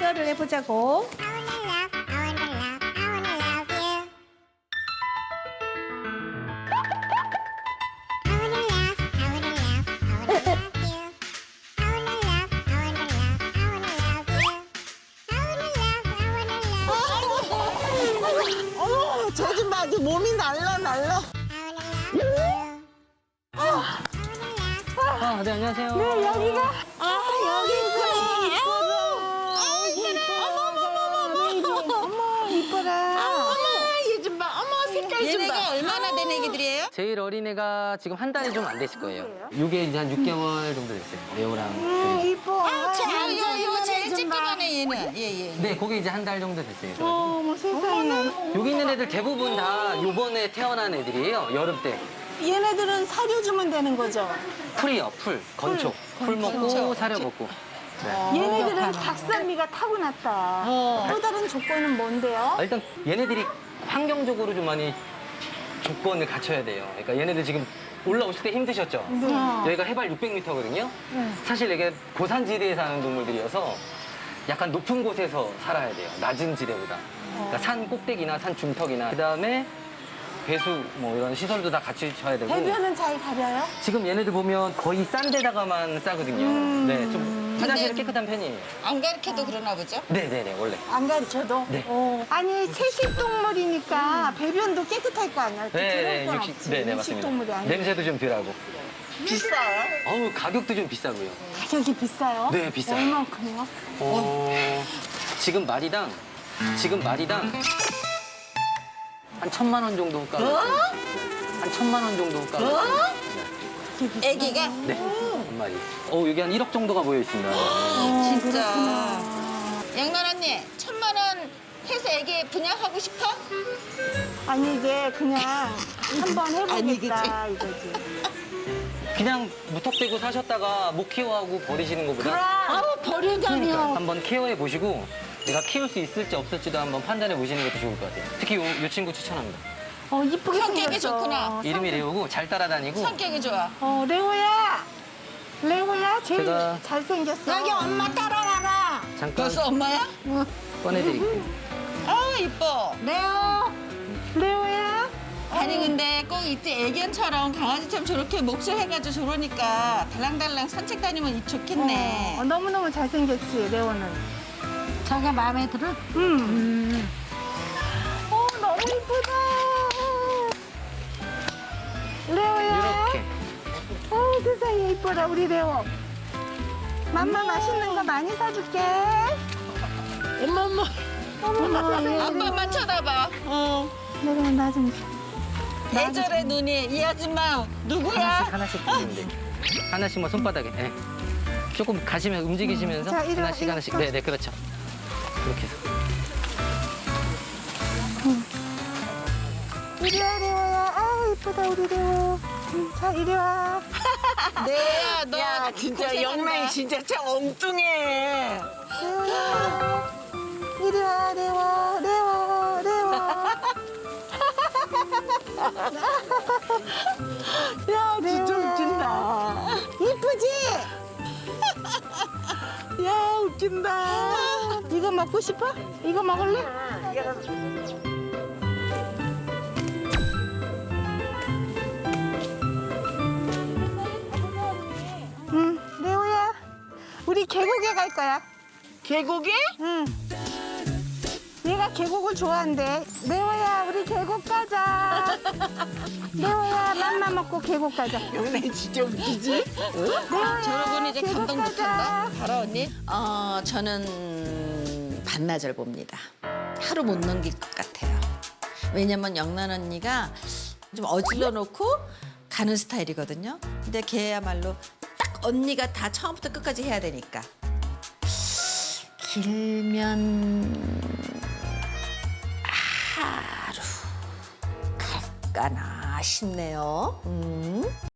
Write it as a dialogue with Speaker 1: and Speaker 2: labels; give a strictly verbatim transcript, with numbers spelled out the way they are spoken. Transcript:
Speaker 1: 듀얼을 해보자고.
Speaker 2: 어머, 쟤좀 봐. 아주 몸이 날라, 날라.
Speaker 3: 아, 네, 안녕하세요.
Speaker 1: 네, 여기가.
Speaker 2: 아, 여기 있구나. 아, 이뻐라.
Speaker 1: 어머, 이뻐라.
Speaker 2: 어머, 얘 좀 봐. 어머, 색깔 좀 봐.
Speaker 4: 얘네가 얼마나 된 애기들이에요?
Speaker 3: 제일 어린 애가 지금 한 달이 좀 안 됐을 거예요. 이게 이제 한 육 개월 정도 됐어요. 레오랑.
Speaker 1: 음,
Speaker 3: 둘이.
Speaker 1: 이뻐.
Speaker 4: 아, 제,
Speaker 1: 아,
Speaker 4: 이거, 이거 제일
Speaker 2: 좀 봐.
Speaker 4: 찌끄만해, 얘는. 예, 예.
Speaker 3: 네, 그게 이제 한 달 정도 됐어요. 그래가지고.
Speaker 1: 어머, 세상에.
Speaker 3: 여기 있는 애들 대부분 다 요번에 태어난 애들이에요. 여름 때.
Speaker 1: 얘네들은 사료 주면 되는 거죠?
Speaker 3: 풀이요, 풀. 건초. 풀 먹고
Speaker 4: 건초.
Speaker 3: 사료 먹고.
Speaker 1: 얘네들은 박산미가 타고났다. 또 다른 조건은 뭔데요?
Speaker 3: 아, 일단 얘네들이 환경적으로 좀 많이 조건을 갖춰야 돼요. 그러니까 얘네들 지금 올라오실 때 힘드셨죠? 여기가 해발 육백 미터거든요. 사실 이게 고산지대에 사는 동물들이어서 약간 높은 곳에서 살아야 돼요. 낮은 지대보다. 그러니까 산 꼭대기나 산 중턱이나 그다음에 배수 뭐 이런 시설도 다 갖추셔야 되고.
Speaker 1: 배변은 잘 가려요?
Speaker 3: 지금 얘네들 보면 거의 싼 데다가만 싸거든요. 네, 좀 화장실은
Speaker 4: 근데-
Speaker 3: 깨끗한 편이에요.
Speaker 4: 안 가르쳐도 그러나 보죠?
Speaker 3: 네네네, 원래.
Speaker 1: 안 가르쳐도?
Speaker 3: 네.
Speaker 1: 어. 아니, 채식동물이니까 배변도 깨끗할 거 아니야?
Speaker 3: 네,
Speaker 1: 그럴 건
Speaker 3: 육식,
Speaker 1: 없지.
Speaker 3: 네네, 맞습니다.
Speaker 1: 육식동물이 아니야.
Speaker 3: 냄새도 좀 덜하고.
Speaker 2: 비싸요?
Speaker 3: 어우, 가격도 좀 비싸고요.
Speaker 1: 가격이 비싸요?
Speaker 3: 네, 비싸요.
Speaker 1: 얼만큼요?
Speaker 3: 어, 지금 마리당, 지금 마리당 한 천만 원 정도 가격. 한 천만 원 정도 가격.
Speaker 4: 애기가?
Speaker 3: 네, 한 마리. 어, 여기 한 일억 정도가 모여 있습니다.
Speaker 4: 진짜. 양란 언니, 천만 원 해서 애기 분양하고 싶어?
Speaker 1: 아니, 이제 그냥 한번
Speaker 4: 아니,
Speaker 1: 해보겠다, 이거지.
Speaker 3: 그냥 무턱대고 사셨다가 못 키워하고 버리시는 것보다
Speaker 4: 아우, 버리다니요.
Speaker 3: 그러니까 한번 케어해 보시고 내가 키울 수 있을지 없을지도 한번 판단해 보시는 것도 좋을 것 같아요. 특히 요, 요 친구 추천합니다.
Speaker 1: 어, 이쁘게
Speaker 4: 성격이
Speaker 1: 생겼어.
Speaker 4: 좋구나.
Speaker 3: 이름이 레오고 잘 따라다니고
Speaker 4: 성격이 좋아.
Speaker 1: 어, 레오야! 레오야, 제일
Speaker 3: 제가-
Speaker 1: 잘생겼어.
Speaker 2: 여기 엄마 따라와라.
Speaker 3: 잠깐
Speaker 4: 벌써 엄마야?
Speaker 3: 꺼내드릴게요.
Speaker 4: 아, 이뻐.
Speaker 1: 레오! 레오야?
Speaker 4: 아니, 근데 꼭 이때 애견처럼 강아지처럼 저렇게 몫을 해가지고 저러니까 달랑달랑 산책 다니면 좋겠네.
Speaker 1: 어, 너무너무 잘생겼지, 레오는.
Speaker 2: 자기가 마음에 들어?
Speaker 1: 음. 어, 너무 이쁘다. 레오야.
Speaker 3: 이렇게.
Speaker 1: 어, 세상에 이뻐라, 우리 레오. 맘마 맛있는 거 많이 사줄게.
Speaker 2: 엄마, 엄마.
Speaker 1: 어머, 세상에.
Speaker 4: 아빠만 쳐다봐. 어.
Speaker 1: 레오, 나 좀.
Speaker 4: 계절의 눈이 이 아줌마 누구야?
Speaker 3: 하나씩 하나씩 주는데 하나씩 뭐 손바닥에. 네. 조금 가시면 움직이시면서
Speaker 1: 자, 이리 와,
Speaker 3: 하나씩
Speaker 1: 이리
Speaker 3: 하나씩.
Speaker 1: 와.
Speaker 3: 네네 그렇죠. 그렇게 해서.
Speaker 1: 이리 와, 레오야. 아, 이쁘다, 우리 레오. 음, 자, 이리 와.
Speaker 4: 네야, 너
Speaker 2: 야, 진짜
Speaker 4: 고생한다.
Speaker 2: 영란이 진짜 참 엉뚱해.
Speaker 1: 레오야. 이리 와, 레오. 레오, 레오.
Speaker 2: 야, 진짜
Speaker 1: 네.
Speaker 2: 웃긴다.
Speaker 1: 이쁘지?
Speaker 2: 야, 웃긴다.
Speaker 1: 이거 먹고 싶어? 이거 먹을래? 응, 레오야. 우리 계곡에 갈 거야.
Speaker 2: 계곡에?
Speaker 1: 응. 얘가 계곡을 좋아한대. 레오야, 우리 계곡 가자. 레오야, 맘마 먹고 계곡 가자.
Speaker 2: 영란이 진짜 웃기지?
Speaker 1: 레오야,
Speaker 4: 저러고는 이제
Speaker 1: 계곡
Speaker 4: 감동
Speaker 1: 가자.
Speaker 4: 못한다. 봐라, 언니. 어, 저는 반나절 봅니다. 하루 못 넘길 것 같아요. 왜냐면 영란 언니가 좀 어질러 놓고 가는 스타일이거든요. 근데 걔야말로 딱 언니가 다 처음부터 끝까지 해야 되니까. 길면 하루 갈까나 싶네요. 음.